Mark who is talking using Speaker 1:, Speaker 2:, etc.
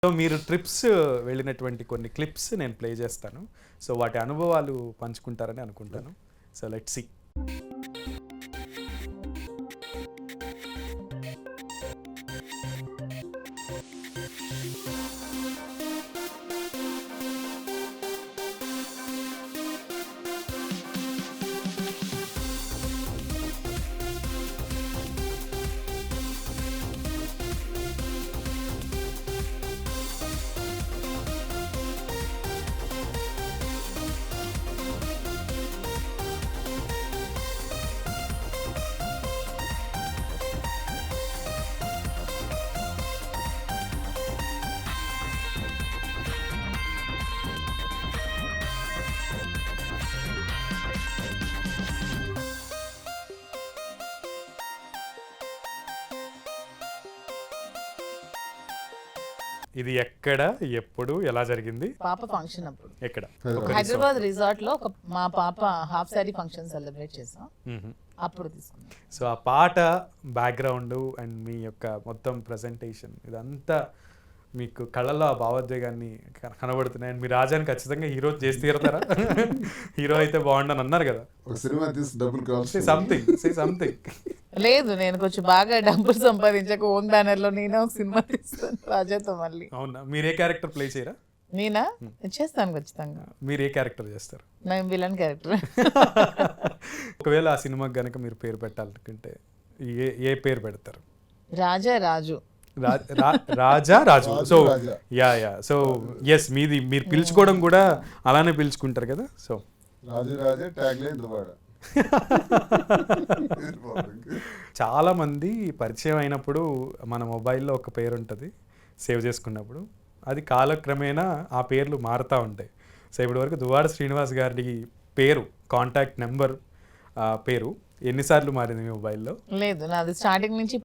Speaker 1: So మీరు trips వెళ్ళినటువంటి కొన్ని క్లిప్స్ నేను ప్లే చేస్తాను. సో వాటి అనుభవాలు పంచుకుంటారని అనుకుంటాను. So let's see. ఇది ఎక్కడ, ఎప్పుడు, ఎలా జరిగింది?
Speaker 2: పాప ఫంక్షన్ అప్పుడు
Speaker 1: ఎక్కడ?
Speaker 2: హైదరాబాద్ రిసార్ట్ లో మా పాప హాఫ్ సారీ ఫంక్షన్ సెలబ్రేట్ చేసాం. అప్పుడు తీసుకున్నాం.
Speaker 1: సో ఆ పాట బ్యాక్గ్రౌండ్ అండ్ మీ యొక్క మొత్తం ప్రజెంటేషన్ ఇదంతా మీకు కళ్ళలో ఆ భావోద్వేగాన్ని కనబడుతున్నాయి. అండ్ మీ రాజాని ఖచ్చితంగా హీరో చేసి తీరతారా? హీరో అయితే బాగుండని అన్నారు కదా. సంథింగ్
Speaker 2: లేదు, నేను కొంచెం బాగా డబ్బులు సంపాదించక ఓన్ బ్యానర్ లో నేనే ఒక సినిమా తీస్తాను రాజాతో మళ్ళీ.
Speaker 1: అవునా? మీరు ఏ క్యారెక్టర్ ప్లే చేయరా?
Speaker 2: నేనా చేస్తాను ఖచ్చితంగా.
Speaker 1: మీరు ఏ క్యారెక్టర్ చేస్తారు?
Speaker 2: నేను విలన్ క్యారెక్టర్.
Speaker 1: ఒకవేళ ఆ సినిమాకి గనక మీరు పేరు పెట్టాలనుకుంటే ఏ పేరు పెడతారు?
Speaker 2: Raja Raju.
Speaker 1: Raja Raju. So yeah so yes, మీది మీరు పిలుచుకోవడం కూడా అలానే పిలుచుకుంటారు కదా. సో చాలా మంది పరిచయం అయినప్పుడు మన మొబైల్లో ఒక పేరు ఉంటుంది సేవ్ చేసుకున్నప్పుడు, అది కాలక్రమేణా ఆ పేర్లు మారుతూ ఉంటాయి. సో ఇప్పటివరకు దువ్వాడ శ్రీనివాస్ గారి పేరు, కాంటాక్ట్ నెంబర్ పేరు ఎన్నిసార్లు మారింది మీ మొబైల్లో?
Speaker 2: లేదు, నాది స్టార్టింగ్ నుంచి